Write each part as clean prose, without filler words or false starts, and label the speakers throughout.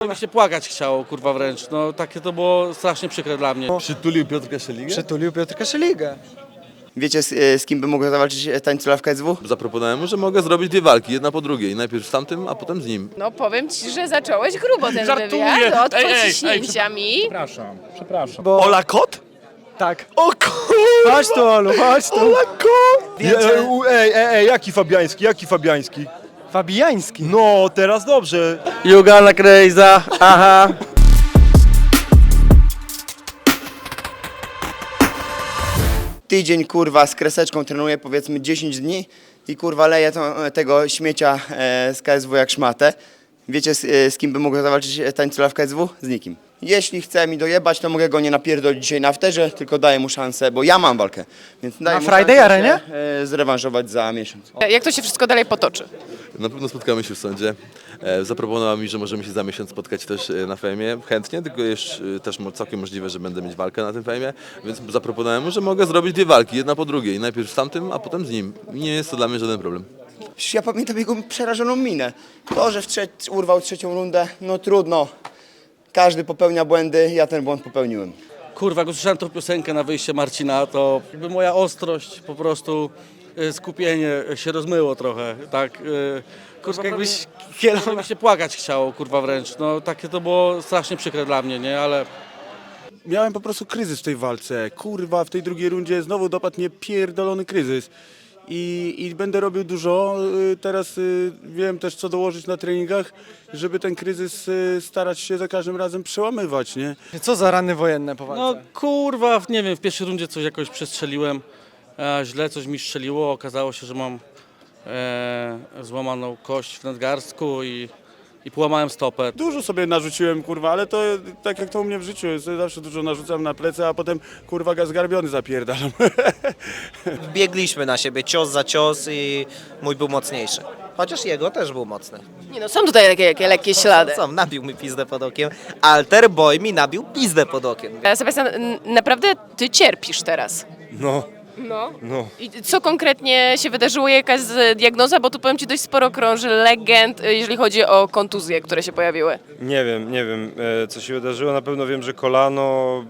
Speaker 1: mi się płakać chciało, kurwa wręcz. No takie to było strasznie przykre dla mnie.
Speaker 2: Przytulił Piotrka Szeligę?
Speaker 3: Przytulił Piotrka Szeligę.
Speaker 4: Wiecie, z kim by mógł zawalczyć tańcula w KSW?
Speaker 2: Zaproponowałem mu, że mogę zrobić dwie walki, jedna po drugiej. Najpierw z tamtym, a potem z nim.
Speaker 5: No powiem ci, że zacząłeś grubo ten
Speaker 6: Żartuję.
Speaker 5: wywiad od
Speaker 6: Ej,
Speaker 5: pociśnięciami.
Speaker 6: Przepraszam.
Speaker 3: Bo...
Speaker 2: Ola Kot?
Speaker 3: Tak.
Speaker 2: O kur...
Speaker 3: Chodź tu, Olu, chodź tu.
Speaker 2: Ola Kot!
Speaker 3: Wiecie-
Speaker 7: Ej, jaki Fabiański?
Speaker 3: Fabijański.
Speaker 7: No, teraz dobrze.
Speaker 1: Juga na Krejza, aha.
Speaker 4: Tydzień kurwa z kreseczką trenuję powiedzmy 10 dni i kurwa leję tego śmiecia z KSW jak szmatę. Wiecie, z kim by mógł zawalczyć tańcula w KSW? Z nikim. Jeśli chce mi dojebać, to mogę go nie napierdolić dzisiaj na afterze, tylko daję mu szansę, bo ja mam walkę. Więc daję
Speaker 3: Na
Speaker 4: mu
Speaker 3: Friday
Speaker 4: szansę
Speaker 3: Arenie?
Speaker 4: się, zrewanżować za miesiąc.
Speaker 5: Jak to się wszystko dalej potoczy?
Speaker 2: Na pewno spotkamy się w sądzie. Zaproponował mi, że możemy się za miesiąc spotkać też na fejmie. Chętnie, tylko jest też całkiem możliwe, że będę mieć walkę na tym fejmie. Więc zaproponowałem mu, że mogę zrobić dwie walki, jedna po drugiej. Najpierw z tamtym, a potem z nim. I nie jest to dla mnie żaden problem.
Speaker 4: Ja pamiętam jego przerażoną minę. To, że urwał trzecią rundę, no trudno. Każdy popełnia błędy, ja ten błąd popełniłem.
Speaker 1: Kurwa, jak usłyszałem tą piosenkę na wyjście Marcina, to jakby moja ostrość, po prostu skupienie się rozmyło trochę, tak. Kurwa,
Speaker 3: jakbyś
Speaker 1: prawie mi się płakać chciało, kurwa wręcz. No takie to było strasznie przykre dla mnie, nie, ale...
Speaker 7: Miałem po prostu kryzys w tej walce. Kurwa, w tej drugiej rundzie znowu dopadł mnie pierdolony kryzys. I będę robił dużo. Teraz wiem też, co dołożyć na treningach, żeby ten kryzys starać się za każdym razem przełamywać, nie?
Speaker 3: Co za rany wojenne po
Speaker 1: No
Speaker 3: walce?
Speaker 1: kurwa, nie wiem, w pierwszej rundzie coś jakoś przestrzeliłem, źle coś mi strzeliło, okazało się, że mam złamaną kość w nadgarstku i połamałem stopę.
Speaker 7: Dużo sobie narzuciłem, kurwa, ale to tak jak to u mnie w życiu jest. Zawsze dużo narzucam na plecy, a potem, kurwa, zgarbiony zapierdalam.
Speaker 8: Biegliśmy na siebie cios za cios i mój był mocniejszy. Chociaż jego też był mocny.
Speaker 5: Nie no, są tutaj takie lekkie ślady.
Speaker 8: Co, nabił mi pizdę pod okiem. Alter Boy mi nabił pizdę pod okiem.
Speaker 5: Sebastian, naprawdę ty cierpisz teraz.
Speaker 7: No.
Speaker 5: No. I co konkretnie się wydarzyło? Jakaś diagnoza? Bo tu powiem ci dość sporo krąży legend, jeżeli chodzi o kontuzje, które się pojawiły.
Speaker 9: Nie wiem, co się wydarzyło. Na pewno wiem, że kolano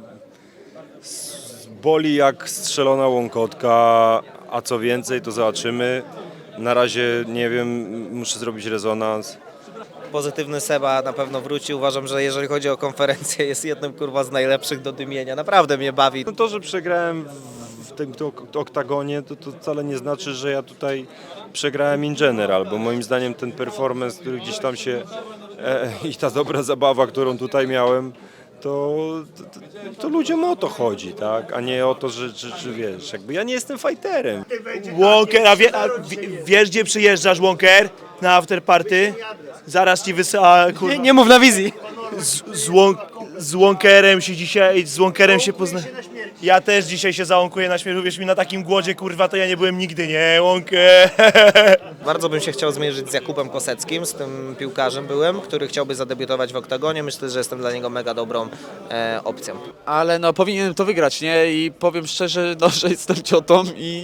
Speaker 9: boli jak strzelona łąkotka, a co więcej, to zobaczymy. Na razie nie wiem, muszę zrobić rezonans.
Speaker 8: Pozytywny Seba na pewno wróci. Uważam, że jeżeli chodzi o konferencję, jest jednym kurwa z najlepszych do dymienia. Naprawdę mnie bawi.
Speaker 9: No to, że przegrałem w tym oktagonie, to wcale nie znaczy, że ja tutaj przegrałem in general, bo moim zdaniem ten performance, który gdzieś tam się i ta dobra zabawa, którą tutaj miałem, to ludziom o to chodzi, tak? A nie o to, że wiesz, jakby ja nie jestem fighterem.
Speaker 10: Walker, wiesz gdzie przyjeżdżasz, Walker? Na afterparty? Zaraz ci wysyła, kurwa.
Speaker 3: Nie mów na wizji.
Speaker 10: Z Walkerem się dzisiaj, pozna. Ja też dzisiaj się załąkuję na śmierć, wiesz mi, na takim głodzie, kurwa, to ja nie byłem nigdy, nie, Walker.
Speaker 8: Bardzo bym się chciał zmierzyć z Jakubem Koseckim, z tym piłkarzem byłem, który chciałby zadebiutować w oktagonie. Myślę, że jestem dla niego mega dobrą opcją.
Speaker 6: Ale no powinienem to wygrać, nie? I powiem szczerze, no, że jestem ciotą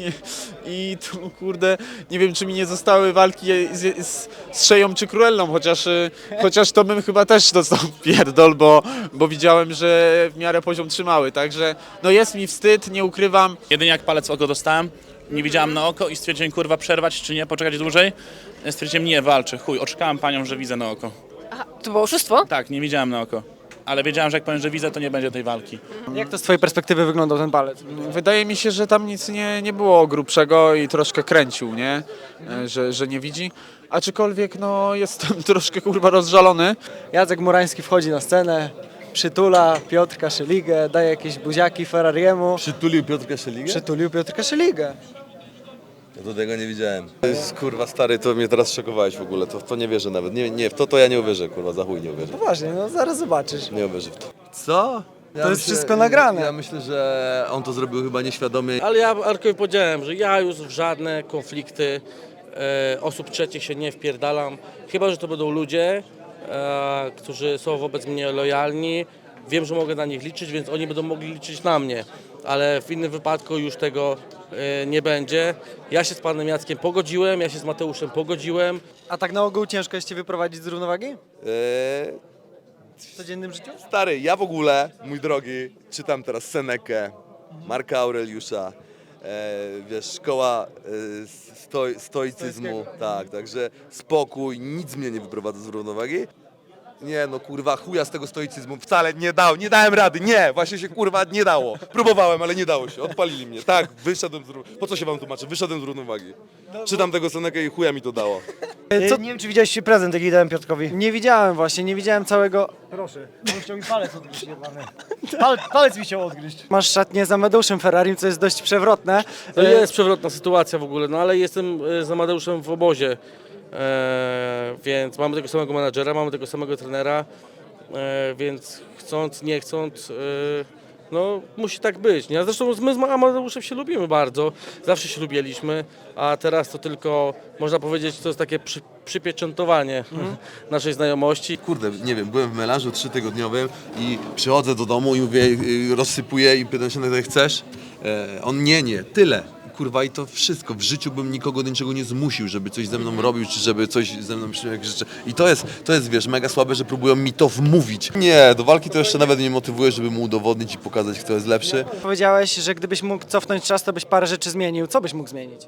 Speaker 6: i tu kurde, nie wiem czy mi nie zostały walki z Szeją czy Królną, chociaż to bym chyba też dostał pierdol, bo widziałem, że w miarę poziom trzymały, także no jest mi wstyd, nie ukrywam.
Speaker 11: Jedynie jak palec w oko dostałem, nie widziałem na oko i stwierdziłem, kurwa, przerwać czy nie, poczekać dłużej. Stwierdziłem, nie, walczę, chuj, oczekałem panią, że widzę na oko.
Speaker 5: Aha, to było oszustwo?
Speaker 11: Tak, nie widziałem na oko, ale wiedziałem, że jak powiem, że widzę, to nie będzie tej walki.
Speaker 3: Jak to z twojej perspektywy wyglądał ten palec?
Speaker 6: Wydaje mi się, że tam nic nie było grubszego i troszkę kręcił, nie? Że nie widzi. Aczkolwiek no jestem troszkę kurwa rozżalony.
Speaker 3: Jacek Murański wchodzi na scenę, przytula Piotrka Szeligę, daje jakieś buziaki Ferrariemu.
Speaker 2: Przytulił Piotrka Szeligę?
Speaker 3: Przytulił Piotrka Szeligę.
Speaker 2: Ja to tego nie widziałem. To jest kurwa stary, to mnie teraz szokowałeś w ogóle. To nie wierzę nawet. Nie, w to ja nie uwierzę, kurwa, za chuj nie uwierzę.
Speaker 3: Poważnie, no zaraz zobaczysz.
Speaker 2: Nie uwierzę w to. Co?
Speaker 3: To jest wszystko nagrane.
Speaker 2: Ja myślę, że on to zrobił chyba nieświadomie.
Speaker 1: Ale ja Arkowi powiedziałem, że ja już w żadne konflikty osób trzecich się nie wpierdalam. Chyba że to będą ludzie, którzy są wobec mnie lojalni. Wiem, że mogę na nich liczyć, więc oni będą mogli liczyć na mnie. Ale w innym wypadku już tego nie będzie. Ja się z panem Jackiem pogodziłem, ja się z Mateuszem pogodziłem.
Speaker 3: A tak na ogół ciężko jest cię wyprowadzić z równowagi? w codziennym życiu?
Speaker 2: Stary, ja w ogóle, mój drogi, czytam teraz Senekę, Marka Aureliusza, wiesz, szkoła stoicyzmu, tak, także spokój, nic mnie nie wyprowadza z równowagi. Nie no kurwa, chuja z tego stoicyzmu, wcale nie dałem rady, nie, właśnie się kurwa nie dało. Próbowałem, ale nie dało się, odpalili mnie, tak, wyszedłem z równowagi. Po co się wam tłumaczę, wyszedłem z równowagi. Czytam tego Senekę i chuja mi to dało.
Speaker 3: Nie wiem, czy widziałeś prezent, jaki dałem Piotrkowi. Nie widziałem właśnie, nie widziałem całego... Proszę, on chciał mi palec odgryźć, palec mi chciał odgryźć. Masz szatnię z Amadeuszem Ferrarim, co jest dość przewrotne.
Speaker 1: To jest przewrotna sytuacja w ogóle, no ale jestem z Amadeuszem w obozie, więc mamy tego samego menadżera, mamy tego samego trenera, więc chcąc, nie chcąc, no musi tak być. Nie? Zresztą my z Amadeuszem się lubimy bardzo, zawsze się lubiliśmy, a teraz to tylko, można powiedzieć, to jest takie przypieczętowanie naszej znajomości.
Speaker 2: Kurde, nie wiem, byłem w melanżu 3-tygodniowym i przychodzę do domu i mówię, rozsypuję i pytam się, no chcesz? On nie, tyle. Kurwa i to wszystko. W życiu bym nikogo do niczego nie zmusił, żeby coś ze mną robił, czy żeby coś ze mną przyjął jakieś rzeczy. I to jest, wiesz, mega słabe, że próbują mi to wmówić. Nie, do walki to jeszcze nawet nie motywuję, żeby mu udowodnić i pokazać, kto jest lepszy.
Speaker 3: Powiedziałeś, że gdybyś mógł cofnąć czas, to byś parę rzeczy zmienił. Co byś mógł zmienić?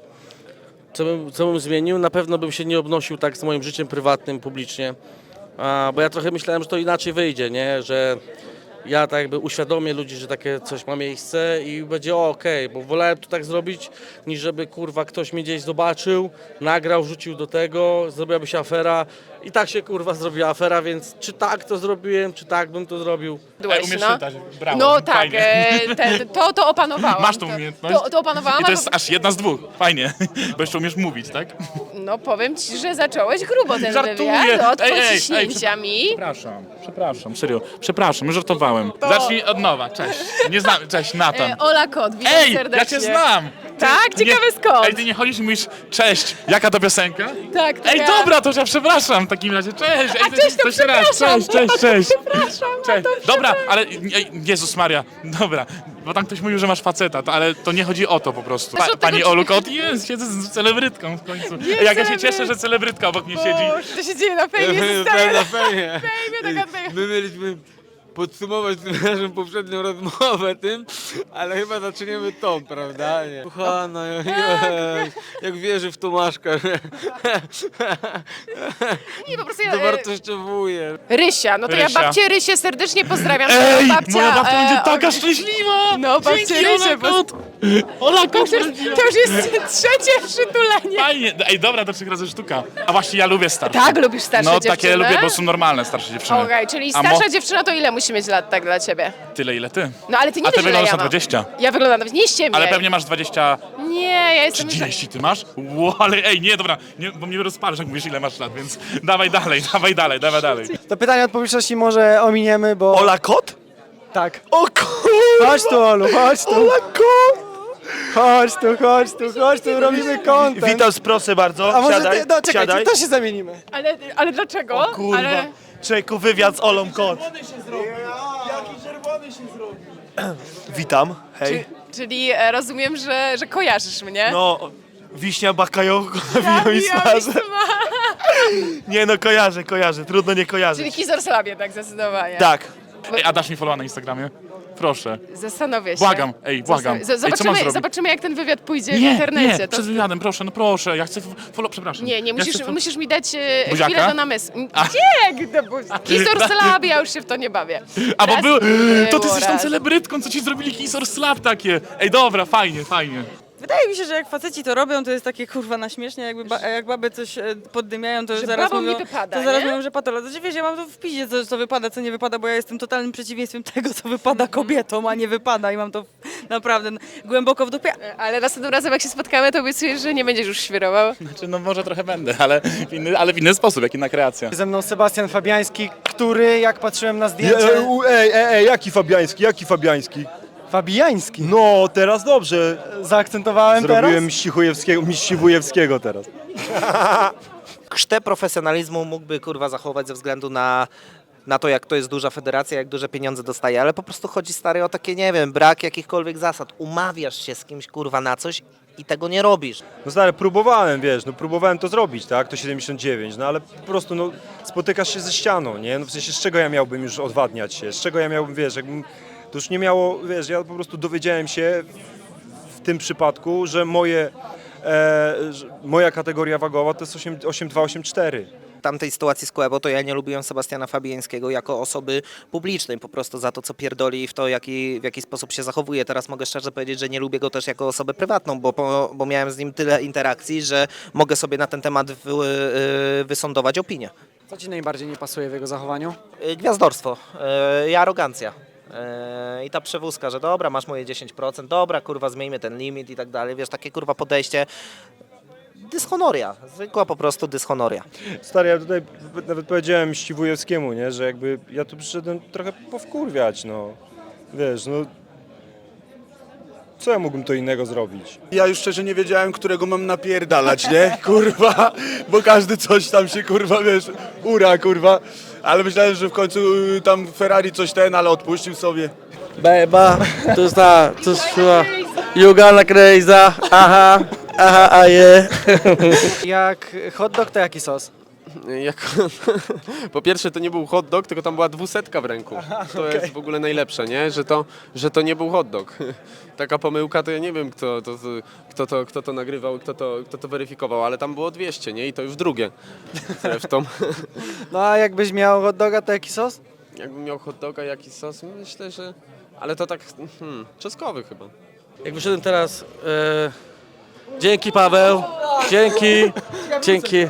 Speaker 1: Co bym zmienił? Na pewno bym się nie obnosił tak z moim życiem prywatnym, publicznie, bo ja trochę myślałem, że to inaczej wyjdzie, nie? Że ja tak jakby uświadomię ludzi, że takie coś ma miejsce i będzie okej, bo wolałem to tak zrobić, niż żeby kurwa ktoś mnie gdzieś zobaczył, nagrał, rzucił do tego, zrobiłaby się afera i tak się kurwa zrobiła afera, więc czy tak to zrobiłem, czy tak bym to zrobił.
Speaker 11: Umiesz czytać, brawo,
Speaker 5: No tak,
Speaker 11: fajnie.
Speaker 5: to opanowałam.
Speaker 11: Masz tą umiejętność?
Speaker 5: To opanowałam.
Speaker 11: I to jest aż jedna z dwóch, fajnie, bo jeszcze umiesz mówić, tak?
Speaker 5: No powiem ci, że zacząłeś grubo ten
Speaker 11: Żartuję.
Speaker 5: wywiad od
Speaker 11: Ej,
Speaker 5: pociśnięciami.
Speaker 11: Przepraszam, serio, przepraszam, żartowałem. Zacznij od nowa, cześć. Nie znam, cześć, Natan.
Speaker 5: Ola Kot, witam
Speaker 11: Ej,
Speaker 5: serdecznie.
Speaker 11: ja cię znam!
Speaker 5: Tak? Ciekawe skąd?
Speaker 11: Ej, ty nie chodzisz i mówisz, cześć, jaka to piosenka?
Speaker 5: Tak, to
Speaker 11: Ej,
Speaker 5: ja.
Speaker 11: dobra, to ja przepraszam w takim razie, cześć! Ej,
Speaker 5: Cześć, to
Speaker 11: jeszcze raz,
Speaker 5: przepraszam.
Speaker 11: cześć!
Speaker 5: Przepraszam,
Speaker 11: Cześć.
Speaker 5: to
Speaker 11: Dobra, ale Jezus Maria, dobra, bo tam ktoś mówił, że masz faceta, ale to nie chodzi o to po prostu.
Speaker 5: Znaczy, od
Speaker 11: Pani
Speaker 5: tego,
Speaker 11: Olu Kot, jest, siedzę z celebrytką w końcu. Ej, jak ja się cieszę, że celebrytka obok mnie siedzi.
Speaker 5: To się dzieje na fejmie, zostaje
Speaker 7: Na fejmie.
Speaker 5: fejmie, taka fejmie.
Speaker 7: My mieliśmy podsumować naszą poprzednią rozmowę tym, ale chyba zaczniemy tą, prawda? Nie. Kochana, jak wierzy w Tomaszka, że
Speaker 5: Nie, po prostu ja,
Speaker 7: dowartościowuje.
Speaker 5: Rysia, no to ja
Speaker 11: Rysia.
Speaker 5: babcię Rysię serdecznie pozdrawiam.
Speaker 11: Ej,
Speaker 5: babcia,
Speaker 11: moja babcia będzie taka
Speaker 5: o-
Speaker 11: szczęśliwa!
Speaker 5: No, babcia
Speaker 11: Dzięki,
Speaker 5: Rysia,
Speaker 11: Ola
Speaker 5: bo-
Speaker 11: Kot! Ola Kot!
Speaker 5: To już jest trzecie przytulenie.
Speaker 11: Fajnie, ej dobra, to 3 razy sztuka. A właśnie ja lubię starsze.
Speaker 5: Tak, lubisz starsze
Speaker 11: No
Speaker 5: dziewczyny?
Speaker 11: takie lubię, bo są normalne starsze dziewczyny.
Speaker 5: Okej, czyli
Speaker 11: A
Speaker 5: starsza dziewczyna to ile musi mieć lat tak dla ciebie?
Speaker 11: Tyle ile ty.
Speaker 5: No ale ty nie
Speaker 11: A ty
Speaker 5: wiesz, ile
Speaker 11: wyglądasz
Speaker 5: ja
Speaker 11: na
Speaker 5: mam.
Speaker 11: 20.
Speaker 5: Ja wyglądam, nie ściemniaj.
Speaker 11: Ale pewnie masz 20...
Speaker 5: Nie, ja jestem...
Speaker 11: 30 ty masz? Ło, ale ej, nie, dobra, nie, bo mnie rozpalasz, jak mówisz ile masz lat, więc dawaj dalej.
Speaker 3: To pytanie od publiczności może ominiemy, bo...
Speaker 10: Ola Kot?
Speaker 3: Tak.
Speaker 10: O kurwa!
Speaker 3: Chodź tu, Olu, chodź tu.
Speaker 10: Ola Kot!
Speaker 3: Chodź tu, robimy content.
Speaker 10: Witam, proszę bardzo.
Speaker 3: A może
Speaker 10: Siadaj,
Speaker 3: ty, no czekaj,
Speaker 10: siadaj.
Speaker 3: to się zamienimy.
Speaker 5: Ale dlaczego?
Speaker 10: Kurwa.
Speaker 5: Ale...
Speaker 10: Człowieku, wywiad z Olą Kot. Witam, hej.
Speaker 5: Czyli rozumiem, że kojarzysz mnie?
Speaker 10: No, wiśnia bakajoko na wino i
Speaker 5: Ja
Speaker 10: smażę. Nie no, kojarzę, trudno nie
Speaker 5: Czyli
Speaker 10: kojarzyć.
Speaker 5: Kizor Slabie, tak zdecydowanie.
Speaker 10: Tak.
Speaker 11: Ej, a dasz mi followa na Instagramie? Proszę.
Speaker 5: Zastanowię się.
Speaker 11: Błagam, ej, błagam. Ej, co mam zrobić?
Speaker 5: Zobaczymy, jak ten wywiad pójdzie w
Speaker 11: Nie,
Speaker 5: internecie.
Speaker 11: nie, przed wywiadem, proszę, no proszę, ja chcę follow, przepraszam.
Speaker 5: Nie,
Speaker 11: Ja chcę
Speaker 5: musisz mi dać
Speaker 11: Buziaka?
Speaker 5: chwilę do namysłu. Nie, Kizor Slabie, ja już się w to nie bawię.
Speaker 11: A bo
Speaker 5: Raz
Speaker 11: był, to
Speaker 5: było,
Speaker 11: ty jesteś tą
Speaker 5: raz.
Speaker 11: celebrytką, co ci zrobili Kisor Slap takie. Ej, dobra, fajnie.
Speaker 12: Wydaje mi się, że jak faceci to robią, to jest takie kurwa na śmiesznie, jak baby coś poddymiają, to
Speaker 5: Że
Speaker 12: zaraz
Speaker 5: babom
Speaker 12: mówią,
Speaker 5: nie wypada,
Speaker 12: to zaraz
Speaker 5: nie?
Speaker 12: mówią, że patologia. Znaczy, wiesz, ja mam to w piździe, co wypada, co nie wypada, bo ja jestem totalnym przeciwieństwem tego, co wypada kobietom, a nie wypada i mam to naprawdę głęboko w dupie.
Speaker 5: Ale następnym razem, jak się spotkamy, to obiecujesz, że nie będziesz już świrował.
Speaker 11: Znaczy, no może trochę będę, ale w inny sposób, jak inna kreacja.
Speaker 3: Ze mną Sebastian Fabiański, który, jak patrzyłem na zdjęcie...
Speaker 9: Ej, jaki Fabiański?
Speaker 3: Fabiański.
Speaker 9: No, teraz dobrze.
Speaker 3: Zaakcentowałem
Speaker 9: Zrobiłem
Speaker 3: teraz?
Speaker 9: Miściwujewskiego teraz.
Speaker 8: Krztę profesjonalizmu mógłby kurwa zachować ze względu na na to, jak to jest duża federacja, jak duże pieniądze dostaje, ale po prostu chodzi, stary, o takie, nie wiem, brak jakichkolwiek zasad. Umawiasz się z kimś, kurwa, na coś i tego nie robisz.
Speaker 9: No stary, próbowałem, wiesz, no próbowałem to zrobić, tak, to 79, no ale po prostu, no, spotykasz się ze ścianą, nie, no w sensie z czego ja miałbym już odwadniać się, z czego ja miałbym, wiesz, jakbym, to już nie miało, wiesz, ja po prostu dowiedziałem się w tym przypadku, że moja kategoria wagowa to jest 8,2-8,4.
Speaker 8: W tamtej sytuacji z Kłebo to ja nie lubiłem Sebastiana Fabiańskiego jako osoby publicznej, po prostu za to, co pierdoli i w to, w jaki sposób się zachowuje. Teraz mogę szczerze powiedzieć, że nie lubię go też jako osobę prywatną, bo miałem z nim tyle interakcji, że mogę sobie na ten temat wysądować opinię.
Speaker 3: Co ci najbardziej nie pasuje w jego zachowaniu?
Speaker 8: Gwiazdorstwo i arogancja. I ta przewózka, że dobra, masz moje 10%, dobra, kurwa, zmieńmy ten limit i tak dalej. Wiesz, takie kurwa podejście. Dyshonoria, zwykła po prostu dyshonoria.
Speaker 9: Stary, ja tutaj nawet powiedziałem Ściwujewskiemu, nie, że jakby ja tu przyszedłem trochę powkurwiać, no, wiesz, no, co ja mógłbym to innego zrobić?
Speaker 7: Ja już szczerze nie wiedziałem, którego mam napierdalać, nie? Kurwa, bo każdy coś tam się, kurwa, wiesz, ura, kurwa. Ale myślałem, że w końcu tam Ferrari coś ale odpuścił sobie.
Speaker 1: Beba, to jest chyba You gonna crazy, aha, a je.
Speaker 3: Jak hot dog, to jaki sos?
Speaker 6: Po pierwsze, to nie był hot dog, tylko tam była 200 w ręku. To jest w ogóle najlepsze, nie? Że to nie był hot dog. Taka pomyłka, to ja nie wiem, kto to nagrywał, kto to weryfikował, ale tam było 200, nie? I to już drugie. Zresztą,
Speaker 3: No a jakbyś miał hot doga, to jaki sos?
Speaker 6: jakbym miał hot doga, jaki sos, myślę, że... Ale to tak, czosnkowy chyba.
Speaker 1: Jak wyszedłem teraz, dzięki Paweł, dzięki.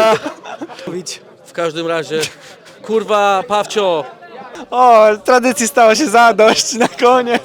Speaker 1: W każdym razie, kurwa, Pawcio,
Speaker 3: O, tradycji stało się zadość na koniec.